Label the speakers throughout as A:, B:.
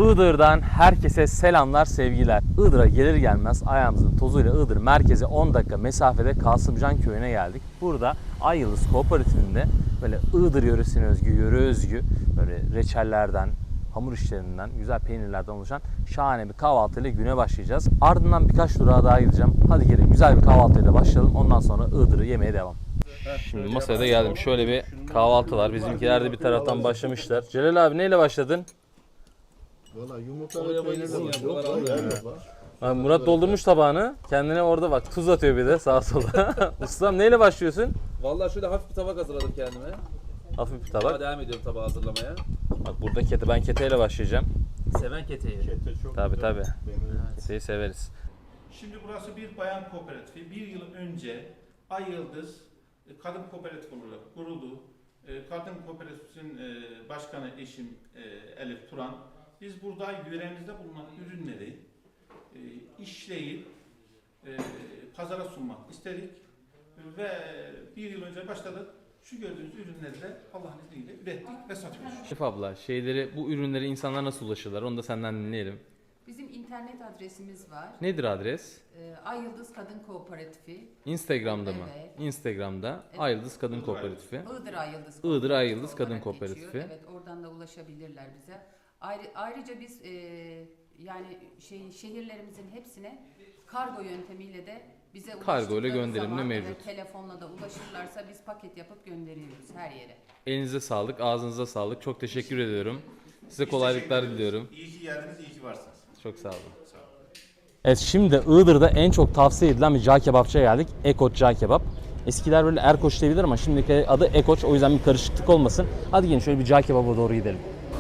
A: Iğdır'dan herkese selamlar, sevgiler. Iğdır'a gelir gelmez ayağımızın tozuyla Iğdır merkeze 10 dakika mesafede Kasımcan köyüne geldik. Burada Ay Yıldız Kooperatifinde böyle Iğdır yöresine özgü, yöre özgü böyle reçellerden, hamur işlerinden, güzel peynirlerden oluşan şahane bir kahvaltıyla güne başlayacağız. Ardından birkaç durağa daha gideceğim. Hadi gelin güzel bir kahvaltıyla başlayalım. Ondan sonra Iğdır'ı yemeye devam. Şimdi masaya da geldim. Şöyle bir kahvaltı var. Bizimkiler de bir taraftan başlamışlar. Celal abi neyle başladın?
B: Valla yumurta ve peynirle başlıyor.
A: Murat doldurmuş tabağını. Kendine orada bak tuz atıyor bir de sağa sola. Ustam neyle başlıyorsun?
C: Vallahi şöyle hafif bir tabak hazırladım kendime.
A: Hafif bir
C: Daha
A: tabak.
C: devam ediyorum tabağı hazırlamaya.
A: Bak burada kete. Ben keteyle başlayacağım.
C: Seven keteyi.
A: Tabii. Keteyi severiz.
D: Şimdi burası bir bayan kooperatifi. Bir yıl önce Ay Yıldız Kadın Kooperatif olarak kuruldu. Kadın Kooperatif'in başkanı eşim Elif Turan. Biz burada yöremizde bulunan ürünleri işleyip pazara sunmak istedik. Ve bir yıl önce başladık. Şu gördüğünüz ürünleri de Allah'ın izniyle ürettik ve satıyoruz.
A: Şef abla bu ürünleri insanlar nasıl ulaşırlar? Onu da senden dinleyelim.
E: Bizim internet adresimiz var.
A: Nedir adres?
E: Ay Yıldız Kadın Kooperatifi.
A: Instagram'da mı?
E: Evet.
A: Instagram'da Ay Yıldız Kadın Kooperatifi.
E: Iğdır Ay Yıldız
A: Iğdır Ay Yıldız Kadın
E: olarak
A: Kooperatifi.
E: geçiyor. Evet, oradan da ulaşabilirler bize. Ayrıca biz yani şehirlerimizin hepsine kargo yöntemiyle de bize
A: Kargo ile
E: ulaştıkları
A: gönderimli
E: zaman,
A: mevcut.
E: Evet, telefonla da ulaşırlarsa biz paket yapıp gönderiyoruz her yere.
A: Elinize sağlık, ağzınıza sağlık. Çok teşekkür ediyorum. Size kolaylıklar diliyorum.
D: İyi ki geldiniz, iyi ki varsınız.
A: Çok sağ olun. Evet, şimdi Iğdır'da en çok tavsiye edilen bir cağ kebapçıya geldik. Ekoç Cağ Kebap. Eskiler böyle Erkoç diyebilir ama şimdiki adı Ekoç, o yüzden bir karışıklık olmasın. Hadi gelin şöyle bir cağ kebaba doğru gidelim.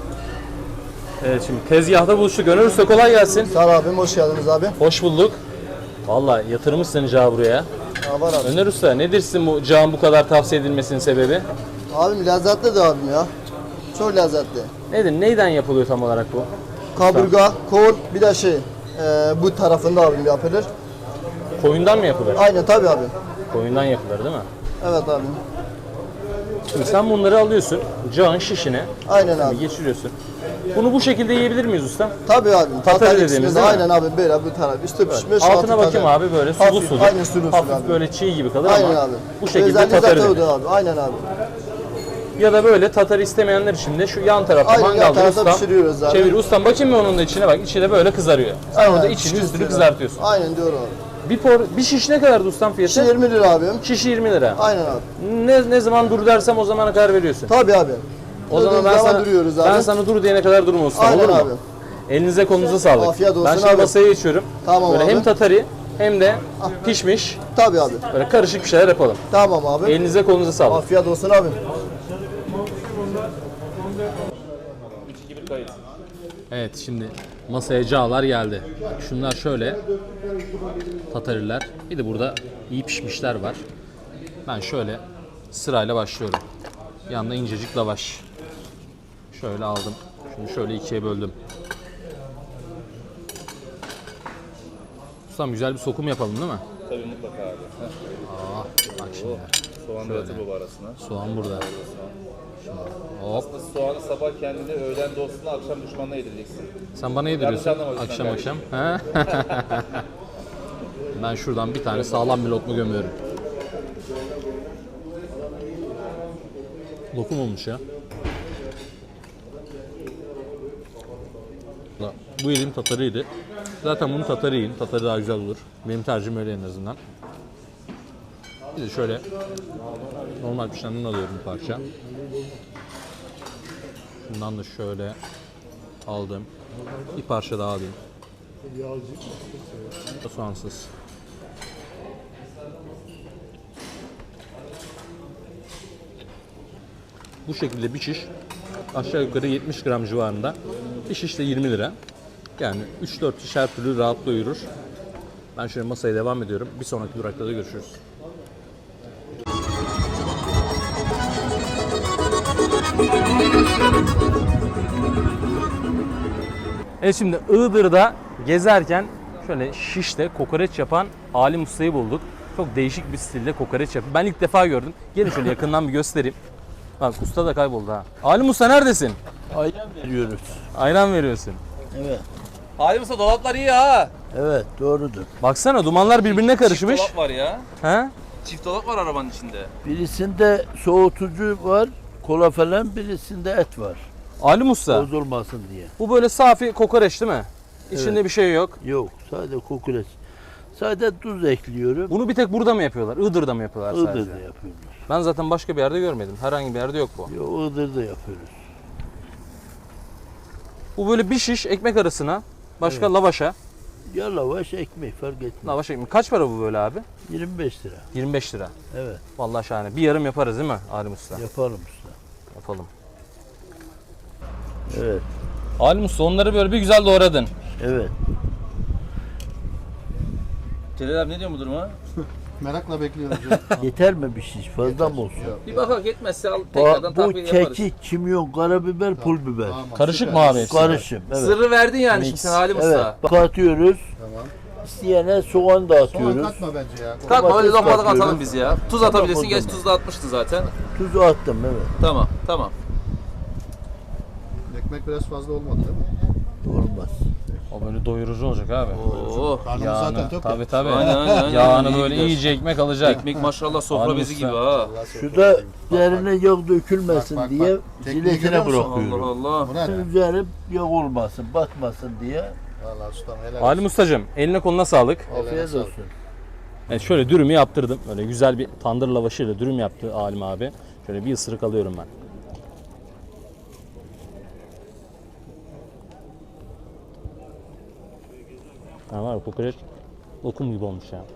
A: Evet, şimdi tezgahta buluştuk. Öner Usta kolay gelsin.
B: Sağ ol abim, hoş geldiniz abi.
A: Hoş bulduk. Vallahi yatırmışsın cağı buraya.
B: Var abi.
A: Öner Usta nedir sizin bu cağın bu kadar tavsiye edilmesinin sebebi?
B: Abim lezzetli de abim ya. Çok lezzetli.
A: Nedir? Neyden yapılıyor tam olarak bu?
B: Kaburga, kol, bir de bu tarafında abim yapılır.
A: Koyundan mı yapılır?
B: Aynen tabii abi.
A: Koyundan yapılır değil mi?
B: Evet abim.
A: Şimdi sen bunları alıyorsun, cağın şişine
B: Aynen abi.
A: geçiriyorsun. Bunu bu şekilde yiyebilir miyiz usta?
B: Tabii abim.
A: Tatar dediğimiz değil mi?
B: Aynen abi, böyle bu taraf. Üstü pişmiş,
A: Altına
B: altı
A: bakayım
B: taze.
A: abi böyle sulu
B: Hafif,
A: sulu.
B: aynen sulu
A: Hafif
B: abi.
A: böyle çiğ gibi kalır
B: Aynen
A: ama
B: abi.
A: bu şekilde
B: Özelliği
A: tatarı
B: zaten
A: denir.
B: odur abi. Aynen abi.
A: Ya da böyle tatar istemeyenler için de şu yan tarafta
B: Aynen, yan
A: mangalda
B: tarafta
A: ustam
B: pişiriyoruz abi.
A: çevir. Ustam bakayım mı onun da içine, bak içi de böyle kızarıyor. Sen orada içini üstünü
B: pişiriyoruz.
A: kızartıyorsun.
B: Aynen diyor abi.
A: Bir şiş ne kadardı ustam fiyatı?
B: 20 lira abim.
A: Şişi 20 lira.
B: Aynen abi.
A: Ne zaman dur dersem o zamana kadar veriyorsun.
B: Tabii abi.
A: O zaman
B: duruyoruz abi.
A: ben sana dur diyene kadar durma ustam,
B: Aynen
A: olur mu?
B: abi.
A: Elinize kolunuza sağlık.
B: Afiyet olsun
A: ben şimdi
B: abi.
A: masaya geçiyorum.
B: Tamam
A: böyle
B: abi.
A: hem tatari hem de pişmiş.
B: Tabii abi.
A: Böyle karışık bir şeyler yapalım.
B: Tamam abi.
A: Elinize kolunuza sağlık.
B: Afiyet olsun abi.
A: Evet, şimdi masaya cağlar geldi. Şunlar şöyle tatariler. Bir de burada iyi pişmişler var. Ben şöyle sırayla başlıyorum. Yanında incecik lavaş. Şöyle aldım. Şimdi şöyle ikiye böldüm. Ustam güzel bir sokum yapalım değil mi?
C: Tabii mutlaka abi.
A: Bak şimdi.
C: Soğan da atı baba arasına.
A: Soğan burada. Hop.
C: Soğanı sabah kendine, öğlen dostuna, akşam düşmanına yedireceksin.
A: Sen bana yediriyorsun
C: Yanlış anlama lütfen
A: akşam. He? Ben şuradan bir tane sağlam bir lokma gömüyorum. Lokum olmuş ya. Bu yediğim tatarıydı. Zaten bunu tatarı yiyin. Tatarı daha güzel olur. Benim tercihim öyle en azından. Bir de şöyle normal pişenden alıyorum bir parça. Şundan da şöyle aldım. Bir parça daha alayım. Soğansız. Bu şekilde bir şiş aşağı yukarı 70 gram civarında. Bir şiş de 20 lira. Yani 3-4 şiş her türlü rahat doyurur. Ben şöyle masaya devam ediyorum. Bir sonraki durakta da görüşürüz. Evet, şimdi Iğdır'da gezerken şöyle şişte kokoreç yapan Alim Usta'yı bulduk. Çok değişik bir stilde kokoreç yapıyor. Ben ilk defa gördüm. Gelin şöyle yakından bir göstereyim. Bak usta da kayboldu ha. Alim Usta neredesin?
F: Ayran veriyoruz.
A: Ayran veriyorsun.
F: Evet.
A: Halim Usta dolaplar iyi ha.
F: Evet doğrudur.
A: Baksana dumanlar birbirine karışmış.
C: Çift dolap var ya.
A: He?
C: Çift dolap var arabanın içinde.
F: Birisinde soğutucu var, kola falan, birisinde et var.
A: Halim Usta
F: Bozulmasın diye.
A: bu böyle safi kokoreç değil mi? İçinde
F: Evet.
A: bir şey yok.
F: Yok, sadece kokoreç. Sadece tuz ekliyorum.
A: Bunu bir tek burada mı yapıyorlar? Iğdır'da mı yapıyorlar sadece?
F: Iğdır'da yapıyoruz.
A: Ben zaten başka bir yerde görmedim. Herhangi bir yerde yok bu.
F: Yok, Iğdır'da yapıyoruz.
A: Bu böyle bir şiş ekmek arasına, başka lavaşa.
F: Ya lavaş, ekmek fark etmez.
A: Lavaş ekmek. Kaç para bu böyle abi?
F: 25 lira.
A: 25 lira.
F: Evet,
A: Vallahi şahane. Bir yarım yaparız değil mi Halim Usta?
F: yapalım usta.
A: Yapalım.
F: Evet,
A: Halim Usta onları böyle bir güzel doğradın.
F: evet.
C: Celal abi ne diyor bu duruma?
B: Merakla bekliyoruz.
F: Yeter mi bir şiş? Fazla mı olsun?
C: Bir bakak yetmezse al
F: Bu kekik, kimyon, karabiber, pul biber.
A: Karışık mı abi hepsi?
F: Karışım. Evet.
C: Sırrı verdin yani şimdi sen Halim
F: Evet,
C: Usta.
F: bak atıyoruz.
B: Tamam.
F: İsteyene soğan da atıyoruz.
B: Katma bence ya.
C: Kalkma öyle
F: Domates
C: lokmalık
F: atıyoruz.
C: atalım biz ya. Tuz atabilirsin.
F: o
C: Geç
F: zaman.
C: tuz da atmıştı zaten.
F: Tuzu attım, evet.
C: Tamam tamam.
B: Ekmek biraz fazla olmadı değil mi?
F: Olmaz.
A: O böyle doyurucu olacak abi.
C: Oo.
B: Karnımız zaten tok.
A: Tabii tabii.
C: Aynen, aynen.
A: Yağını
C: İyi
A: böyle
C: gider.
A: iyice ekmek alacak.
C: Ekmek maşallah sofra
A: Halim
C: bezi
A: Usta.
C: gibi ha.
F: Şurada üzerine yağ dökülmesin
B: Bak, bak,
F: diye
B: bak. Tekniği görüyor
F: jiletine
B: musun?
F: bırakıyorum.
C: Allah Allah.
B: Bu ne?
F: Üzeri yağ olmasın, batmasın diye.
B: Valla ustam helal
A: Halim Ustacığım eline koluna sağlık.
F: Afiyet
B: sağlık.
F: olsun.
A: Evet şöyle dürümü yaptırdım. Böyle güzel bir tandır lavaşıyla dürüm yaptı Halim abi. Şöyle bir ısırık alıyorum ben. Ha var ya, kokoreç lokum gibi olmuş ya.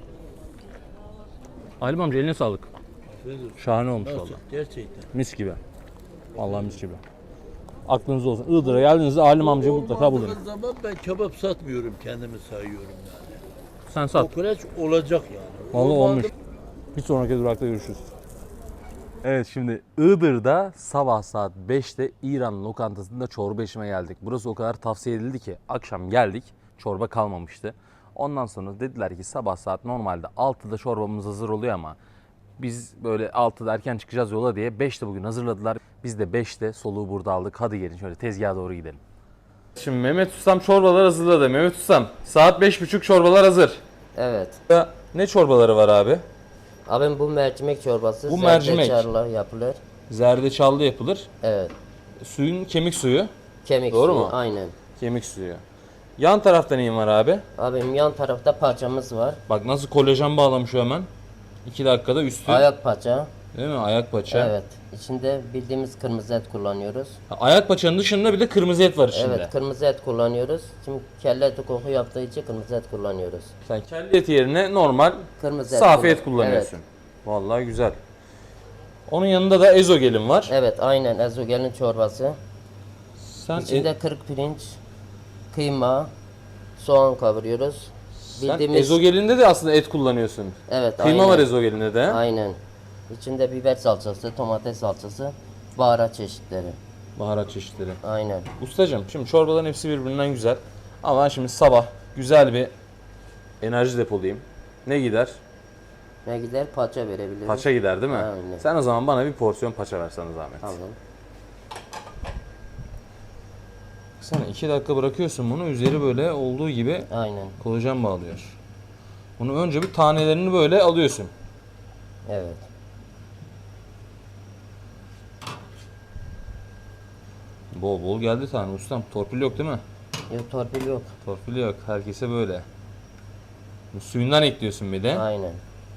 A: Halim amca eline sağlık. Şahane olmuş
F: Nasıl?
A: valla.
F: Gerçekten.
A: Mis gibi. Vallahi mis gibi. Aklınızda olsun. Iğdır'a geldiğinizde Halim amcayı mutlaka bulun.
F: Olmadığı zaman ben kebap satmıyorum, kendimi sayıyorum yani.
A: Sen sat.
F: Kokoreç olacak yani.
A: Vallahi
F: Olmadı-
A: olmuş. Bir sonraki durakta görüşürüz. Evet şimdi Iğdır'da sabah saat 5'te İran lokantasında çorba içmeye geldik. Burası o kadar tavsiye edildi ki akşam geldik çorba kalmamıştı. Ondan sonra dediler ki sabah saat normalde 6'da çorbamız hazır oluyor ama biz böyle 6'da erken çıkacağız yola diye 5'te bugün hazırladılar. Biz de 5'te soluğu burada aldık. Hadi gelin şöyle tezgaha doğru gidelim. Şimdi Mehmet Ustam çorbalar hazırladı. Mehmet Ustam saat 5.30 çorbalar hazır.
G: Evet.
A: Ya, ne çorbaları var abi?
G: Abim bu mercimek çorbası
A: Bu mercimek.
G: zerdeçallı yapılır.
A: Zerdeçallı yapılır.
G: Evet.
A: Suyun kemik suyu.
G: Kemik
A: Doğru
G: suyu,
A: mu?
G: aynen.
A: Kemik suyu. Yan tarafta neyin var abi?
G: Abim yan tarafta paçamız var.
A: Bak nasıl kolajen bağlamış o hemen. 2 dakikada üstü.
G: Ayak paça.
A: Değil mi? Ayak paça.
G: Evet. İçinde bildiğimiz kırmızı et kullanıyoruz.
A: Ha, ayak paçanın dışında bir de kırmızı et var içinde.
G: Evet, kırmızı et kullanıyoruz. Şimdi kelle eti koku yaptığı için kırmızı et kullanıyoruz.
A: Sen kelle eti yerine normal
G: Kırmızı et
A: safi et
G: kullan-
A: kullanıyorsun. Vallahi güzel. Onun yanında da ezogelin var.
G: Evet, aynen ezogelin çorbası.
A: Sen,
G: İçinde kırık pirinç, kıyma, soğan kavuruyoruz.
A: sen ezogelinde de aslında et kullanıyorsun.
G: Evet,
A: Kıyma
G: aynen.
A: var ezogelinde de.
G: Aynen. İçinde biber salçası, domates salçası, baharat çeşitleri.
A: Baharat çeşitleri.
G: Aynen.
A: Ustacığım şimdi çorbaların hepsi birbirinden güzel. Ama ben şimdi sabah güzel bir enerji depolayayım. Ne gider?
G: Ne gider? Paça verebiliriz.
A: Paça gider değil mi?
G: Aynen.
A: Sen o zaman bana bir porsiyon paça versene zahmet.
G: Tamam.
A: Sen 2 dakika bırakıyorsun bunu. Üzeri böyle olduğu gibi
G: Aynen.
A: kolajen bağlıyor. Bunu önce bir tanelerini böyle alıyorsun.
G: Evet.
A: Bol bol geldi tane ustam. Torpil yok değil mi?
G: Yok, torpil yok.
A: Torpil yok. Herkese böyle. Bu suyundan ekliyorsun bir de.
G: Aynen.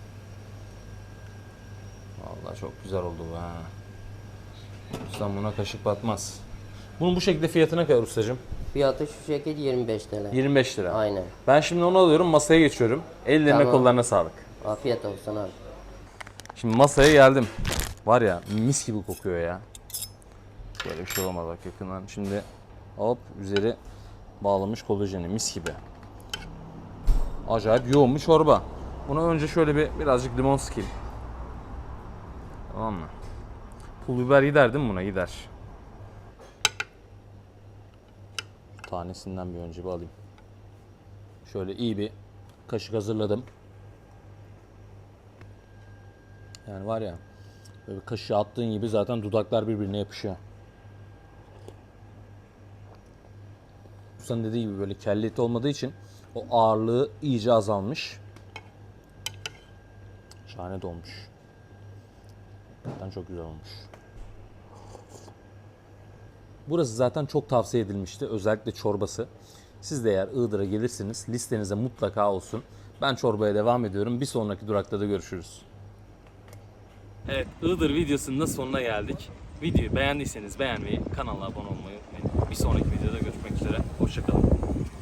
A: Vallahi çok güzel oldu bu ha. Ustam buna kaşık batmaz. Bunun bu şekilde fiyatı ne kadar ustacığım?
G: Fiyatı şu şekilde 25 TL.
A: 25 lira.
G: Aynen.
A: Ben şimdi onu alıyorum masaya geçiyorum. Ellerine
G: Tamam.
A: kollarına sağlık.
G: Afiyet olsun abi.
A: Şimdi masaya geldim. Var ya mis gibi kokuyor ya. Böyle bir şey olmaz bak yakından. Şimdi hop üzeri bağlamış kolajeni mis gibi. Acayip yoğun bir çorba. Buna önce şöyle birazcık limon sıkayım. Tamam mı? Pul biber gider değil mi buna? Gider. Tanesinden bir önce bir alayım. Şöyle iyi bir kaşık hazırladım. Yani var ya böyle bir kaşığı attığın gibi zaten dudaklar birbirine yapışıyor. Ustanın dediği gibi böyle kelle eti olmadığı için o ağırlığı iyice azalmış. Şahane de olmuş. Zaten çok güzel olmuş. Burası zaten çok tavsiye edilmişti. Özellikle çorbası. Siz de eğer Iğdır'a gelirseniz listenize mutlaka olsun. Ben çorbaya devam ediyorum. Bir sonraki durakta da görüşürüz. Evet, Iğdır videosunun da sonuna geldik. Videoyu beğendiyseniz beğenmeyi, kanala abone olmayı unutmayın. Bir sonraki videoda görüşmek üzere. Hoşça kalın.